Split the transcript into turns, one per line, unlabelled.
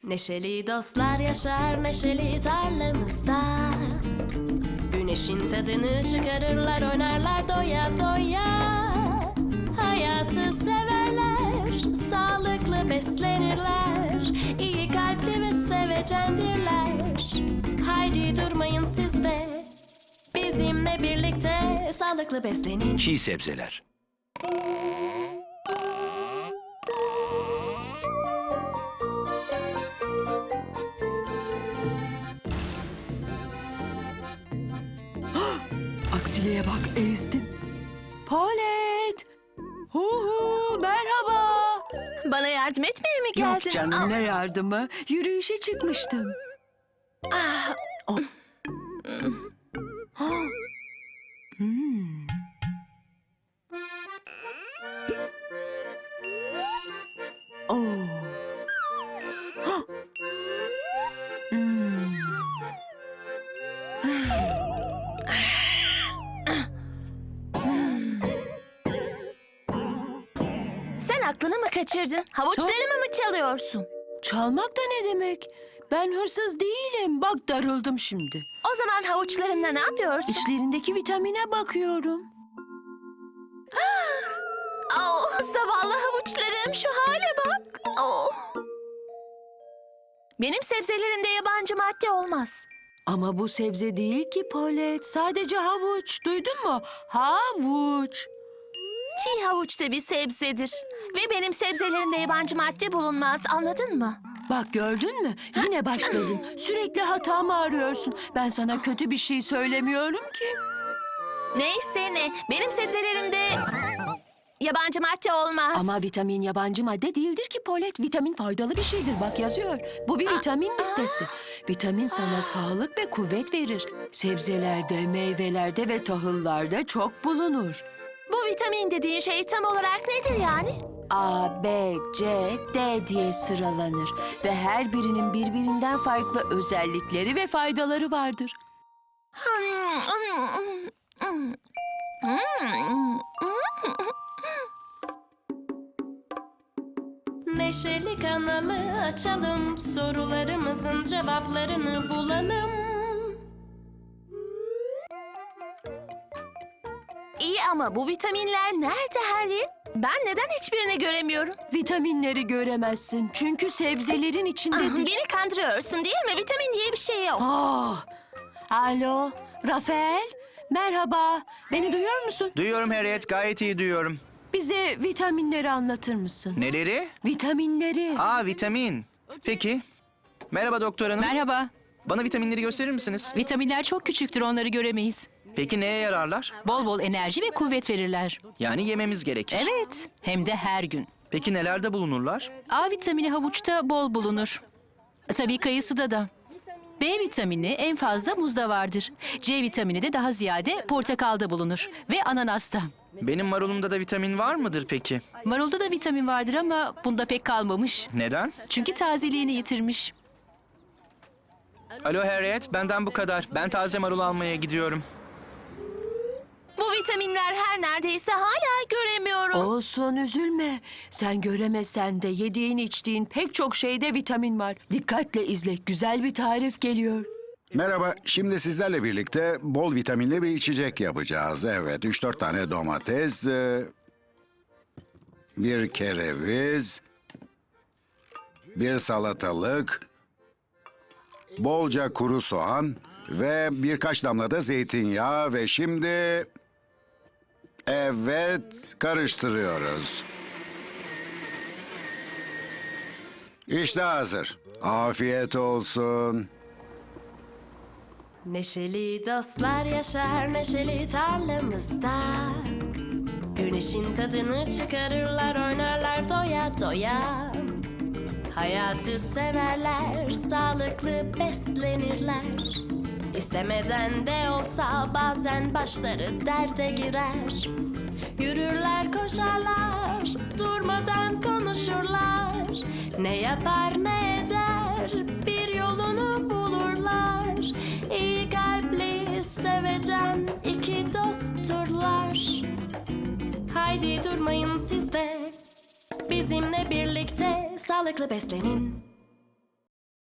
Neşeli dostlar yaşar neşeli tarlamızda. Güneşin tadını çıkarırlar, oynarlar doya doya. Hayatı severler, sağlıklı beslenirler. İyi kalpli ve sevecendirler. Haydi durmayın siz de, bizimle birlikte sağlıklı beslenin.
Çiğ sebzeler.
Aksiliğe bak, ezdim. Palet! Hu, merhaba.
Bana yardım etmeye mi geldin?
Yok canım, ne yardımı? Yürüyüşe çıkmıştım.
Ah.
Oh. Hmm. Oh. Hmm.
Sen aklını mı kaçırdın? Havuçlarımı mı çalıyorsun?
Çalmak da ne demek? Ben hırsız değilim. Bak, darıldım şimdi.
O zaman havuçlarımla ne yapıyorsun?
İçlerindeki vitamine bakıyorum.
Oh, zavallı havuçlarım, şu hale bak. Oh. Benim sebzelerimde yabancı madde olmaz.
Ama bu sebze değil ki Palet. Sadece havuç. Duydun mu? Havuç.
Çiğ havuç da bir sebzedir. Ve benim sebzelerimde yabancı madde bulunmaz, anladın mı?
Bak, gördün mü? Yine başladın. Sürekli hatamı arıyorsun. Ben sana kötü bir şey söylemiyorum ki.
Neyse ne, benim sebzelerimde yabancı madde olmaz.
Ama vitamin yabancı madde değildir ki Palet. Vitamin faydalı bir şeydir. Bak, yazıyor. Bu bir vitamin listesi. Vitamin sana sağlık ve kuvvet verir. Sebzelerde, meyvelerde ve tahıllarda çok bulunur.
Bu vitamin dediğin şey tam olarak nedir yani?
A, B, C, D diye sıralanır. Ve her birinin birbirinden farklı özellikleri ve faydaları vardır.
Neşeli kanalı açalım, sorularımızın cevaplarını bulalım. İyi ama bu vitaminler nerede Harry? Ben neden hiçbirini göremiyorum?
Vitaminleri göremezsin çünkü sebzelerin içindedir.
Beni kandırıyorsun değil mi? Vitamin diye bir şey yok.
Ah! Alo, Rafael. Merhaba. Beni duyuyor musun?
Duyuyorum Harriet, gayet iyi duyuyorum.
Bize vitaminleri anlatır mısın?
Neleri?
Vitaminleri.
Aa, vitamin. Peki. Merhaba doktor hanım.
Merhaba.
Bana vitaminleri gösterir misiniz?
Vitaminler çok küçüktür, onları göremeyiz.
Peki neye yararlar?
Bol bol enerji ve kuvvet verirler.
Yani yememiz gerekir.
Evet, hem de her gün.
Peki nelerde bulunurlar?
A vitamini havuçta bol bulunur. Tabii kayısıda da. B vitamini en fazla muzda vardır. C vitamini de daha ziyade portakalda bulunur. Ve ananasta.
Benim marulumda da vitamin var mıdır peki?
Marulda da vitamin vardır ama bunda pek kalmamış.
Neden?
Çünkü tazeliğini yitirmiş.
Alo Harriet, benden bu kadar. Ben taze marul almaya gidiyorum.
Bu vitaminler her neredeyse hala göremiyorum.
Olsun, üzülme. Sen göremesen de yediğin içtiğin pek çok şeyde vitamin var. Dikkatle izle. Güzel bir tarif geliyor.
Merhaba, şimdi sizlerle birlikte bol vitaminli bir içecek yapacağız. Evet, 3-4 tane domates, bir kereviz, bir salatalık, bolca kuru soğan ve birkaç damla da zeytinyağı ve şimdi... Evet, karıştırıyoruz. İşte hazır. Afiyet olsun.
Neşeli dostlar yaşar neşeli tarlamızda. Güneşin tadını çıkarırlar, oynarlar doya doya. Hayatı severler, sağlıklı beslenirler. İstemeden de olsa bazen başları derde girer. Yürürler, koşarlar, durmadan konuşurlar. Ne yapar ne eder, bir yolunu bulurlar. İyi kalpli, sevecen iki dostturlar. Haydi durmayın siz de, bizimle birlikte sağlıklı beslenin.